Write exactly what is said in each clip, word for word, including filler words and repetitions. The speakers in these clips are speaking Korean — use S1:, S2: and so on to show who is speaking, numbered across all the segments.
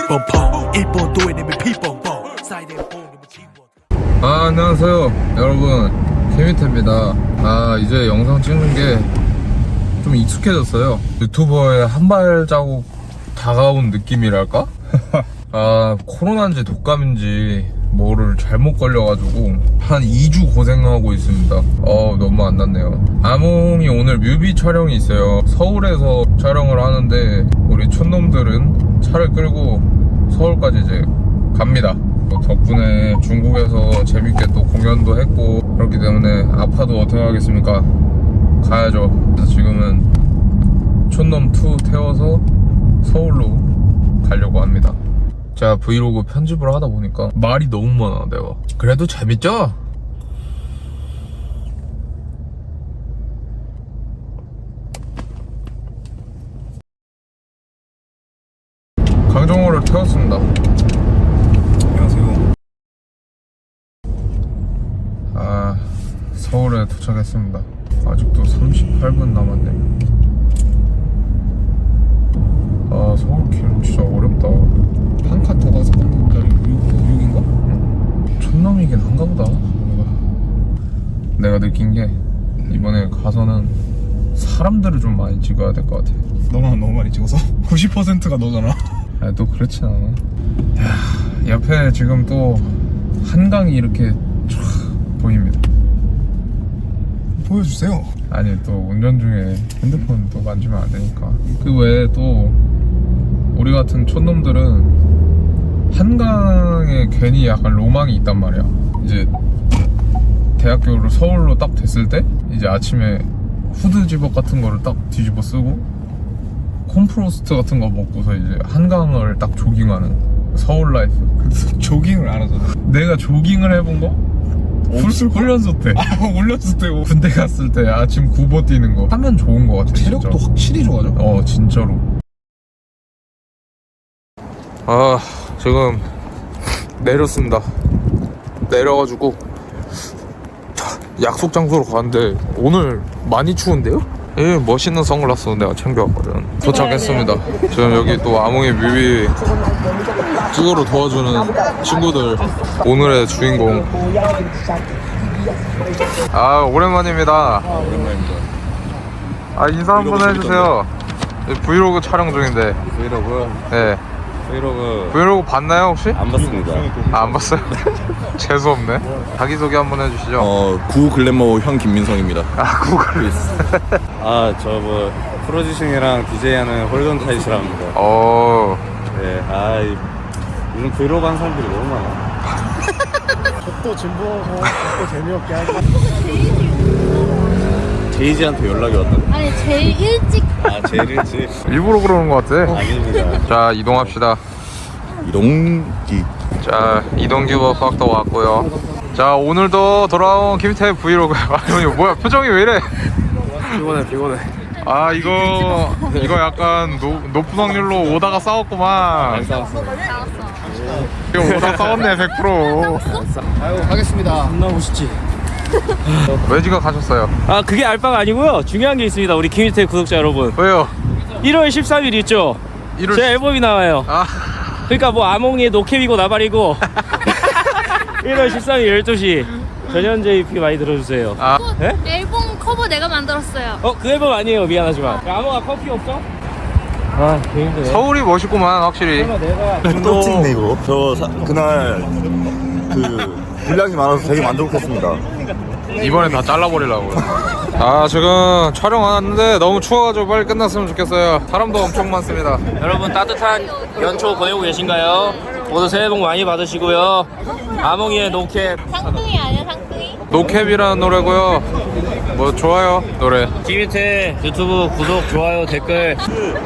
S1: 아, 안녕하세요 여러분, 케미태입니다. 아, 이제 영상 찍는 게 좀 익숙해졌어요. 유튜버의 한 발자국 다가온 느낌이랄까? 아, 코로나인지 독감인지 뭐를 잘못 걸려가지고 한 이 주 고생하고 있습니다. 어, 너무 안 낫네요. 아몽이 오늘 뮤비 촬영이 있어요. 서울에서 촬영을 하는데 우리 촌놈들은 차를 끌고 서울까지 이제 갑니다. 뭐 덕분에 중국에서 재밌게 또 공연도 했고 그렇기 때문에 아파도 어떻게 하겠습니까? 가야죠. 그래서 지금은 촌놈 투 태워서 서울로 가려고 합니다. 제가 브이로그 편집을 하다 보니까 말이 너무 많아 내가. 그래도 재밌죠? 강정호를 태웠습니다.
S2: 안녕하세요.
S1: 아, 서울에 도착했습니다. 아직도 삼십팔 분 남았네요. 아, 서울길 진짜 어렵다.
S2: 한 칸 더 가서 한국까지 육인가?
S1: 촌놈이긴 한가 보다. 내가 느낀 게 이번에 가서는 사람들을 좀 많이 찍어야 될 것 같아.
S2: 너만 너무 많이 찍어서? 구십 퍼센트가 너잖아.
S1: 아니, 또 그렇진 않아. 야, 옆에 지금 또 한강이 이렇게 쫙 보입니다.
S2: 보여주세요.
S1: 아니, 또 운전 중에 핸드폰 또 만지면 안 되니까. 그 외에 또 우리 같은 촌놈들은 한강에 괜히 약간 로망이 있단 말이야. 이제 대학교를 서울로 딱 됐을 때 이제 아침에 후드 집업 같은 거를 딱 뒤집어 쓰고 콤프로스트 같은 거 먹고서 이제 한강을 딱 조깅하는 서울 라이프.
S2: 그래서 조깅을 안 하잖아.
S1: 내가 조깅을 해본 거?
S2: 없을 걸?
S1: 훈련소 때.
S2: 아, 올렸을 때.
S1: 군대 갔을 때 아침 구보 뛰는 거 하면 좋은 거 같아.
S2: 체력도
S1: 진짜.
S2: 확실히 좋아져.
S1: 어, 진짜로. 아, 지금 내렸습니다. 내려가지고 약속 장소로 가는데 오늘 많이 추운데요? 예, 멋있는 선글라스 내가 챙겨왔거든. 도착했습니다. 지금 여기 또 아몽이 뮤비 찍으러 도와주는 친구들, 오늘의 주인공. 아, 오랜만입니다. 아, 인사 한번 해주세요. 브이로그 촬영 중인데.
S3: 브이로그?
S1: 네.
S3: 브이로그
S1: 브이로그 봤나요 혹시?
S3: 안 봤습니다.
S1: 아, 안 봤어요? 재수없네. 자기소개 한번 해주시죠.
S3: 어, 구 글래머 형 김민성입니다.
S1: 아, 구글.
S3: 아, 저 뭐 프로듀싱이랑 디제이하는 홀던 타이시라 합니다.
S1: 어.
S3: 네, 아, 이, 요즘 브이로그 하는 사람들이 너무 많아.
S2: 또 진보하고 또 재미없게 하고.
S3: 제이지한테 연락이 왔다.
S4: 아니 제일 일찍
S3: 아, 제일 일찍?
S1: 일부러 그러는 것 같아.
S3: 아닙니다.
S1: 자, 이동합시다.
S3: 이동기.
S1: 자, 이동규버 팍도 왔고요. 자, 오늘도 돌아온 김태 브이로그. 아, 이거 뭐야, 표정이 왜 이래?
S2: 피곤해 피곤해.
S1: 아, 이거 이거 약간 노, 높은 확률로 오다가 싸웠구만.
S3: 싸웠어.
S1: 이거 오다 싸웠네. 백 퍼센트.
S2: 아유, 가겠습니다.
S5: 나 오시지.
S1: 외지가 가셨어요.
S5: 아, 그게 알바가 아니고요. 중요한 게 있습니다. 우리 김희태 구독자 여러분.
S1: 왜요?
S5: 일월 십삼일 있죠.
S1: 일월
S5: 제 앨범이 나와요.
S1: 아,
S5: 그러니까 뭐 아몽이의 노캡이고 나발이고. 일월 십삼일 열두 시 전현재 이피 많이 들어주세요.
S1: 아,
S5: 네?
S4: 앨범 커버 내가 만들었어요.
S5: 어, 그 앨범 아니에요. 미안하지만. 야, 아몽아 커피 없어? 아, 되게 힘드네.
S1: 서울이 멋있구만 확실히.
S5: 설마 내가
S6: 또 찍네 이거. 저 사, 그날 그 분량이 많아서 되게 만족했습니다.
S1: 이번엔 다 잘라버리려고. 아, 지금 촬영 왔는데 너무 추워가지고 빨리 끝났으면 좋겠어요. 사람도 엄청 많습니다.
S5: 여러분 따뜻한 연초 보내고 계신가요? 모두 새해 복 많이 받으시고요. 아몽이의 노캡.
S4: 상둥이 아니야 상둥이?
S1: 노캡이라는 노래고요. 뭐 좋아요 노래.
S5: 김희태 유튜브 구독, 좋아요, 댓글.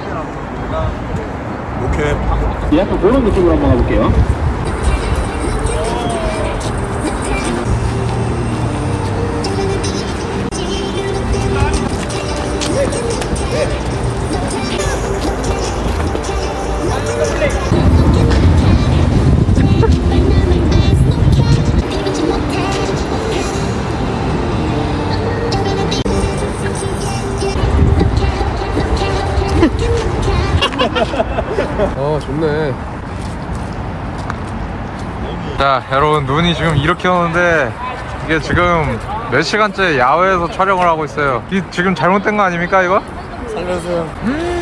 S6: 오케이.
S5: 약간 그런 느낌으로 한번 가볼게요.
S1: 아, 좋네. 자 여러분, 눈이 지금 이렇게 오는데 이게 지금 몇 시간째 야외에서 촬영을 하고 있어요. 이 지금 잘못된 거 아닙니까 이거?
S2: 살려주세요.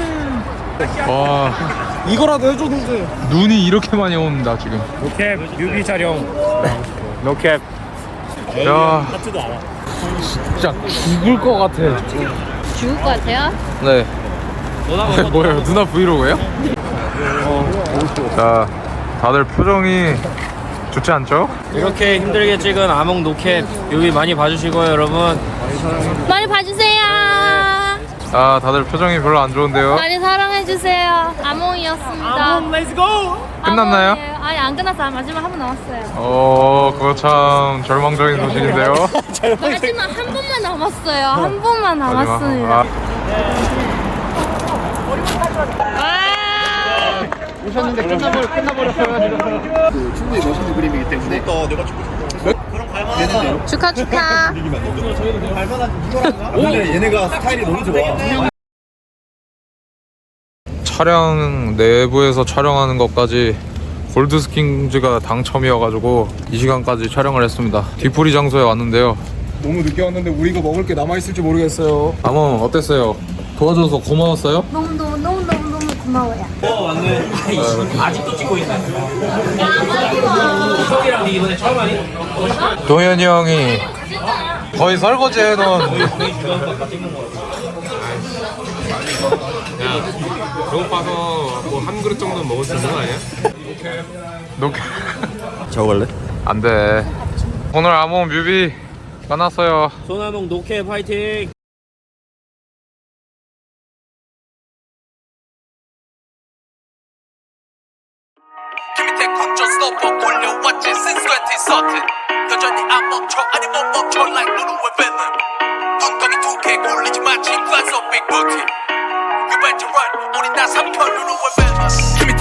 S1: 와,
S2: 이거라도 해줬는데.
S1: 눈이 이렇게 많이 온다 지금.
S5: 노캡 뮤비 촬영. 노캡.
S1: 야, 진짜 죽을 것 같아.
S4: 죽을 것 같아요?
S1: 네. 뭐예요? 누나 브이로그예요? 자, 다들 표정이 좋지 않죠?
S5: 이렇게 힘들게 찍은 아몽 노캡 뮤비 많이 봐주시고요, 여러분.
S4: 많이 봐주세요.
S1: 아, 다들 표정이 별로 안 좋은데요?
S4: 많이 사랑해주세요. 아몽이었습니다. 아몽, 렛츠고!
S1: 끝났나요?
S4: 아니, 안 끝났어요. 마지막 한 번 남았어요.
S1: 어, 그거 참 절망적인 소식인데요.
S4: 마지막 한 번만 남았어요. 한 번만
S1: 마지막.
S4: 남았습니다.
S1: 아,
S2: 오셨는데 끝나버려, 끝나버렸어요, 지금. 충분히 멋있는 그림이기 때문에. 또 내가 죽고 싶어.
S4: 축하, 축하.
S6: 근데 얘네가 스타일이 너무 좋아.
S1: 촬영 내부에서 촬영하는 것까지 골드스킨즈가 당첨이어가지고 이 시간까지 촬영을 했습니다. 뒤풀이 장소에 왔는데요.
S2: 너무 늦게 왔는데 우리가 먹을 게 남아있을지 모르겠어요.
S1: 아몬 어땠어요? 도와줘서 고마웠어요?
S4: 너무너무너무너무너무 고마워요.
S5: 아직도 찍고 있나요? 이석이랑 이번에 처음 하니?
S1: 동현이 형이 거의 설거지 해놓은
S7: 배고파서 뭐 한 그릇 정도는 먹을 수 있는 거 아니야?
S1: 녹
S6: 저거 갈래?
S1: 안돼. 오늘 아몬 뮤비 끝났어요.
S5: 소나몽 노캡 파이팅!
S8: 김희태 컨트롤 올려왔지 since twenty thirteen 여전히 안 멈춰 아니 못 멈춰 like 루루의 venom 눈덩이 두 개 굴리지 마치 glass of big booty You better run 우린 다 삼켜 루루의 venom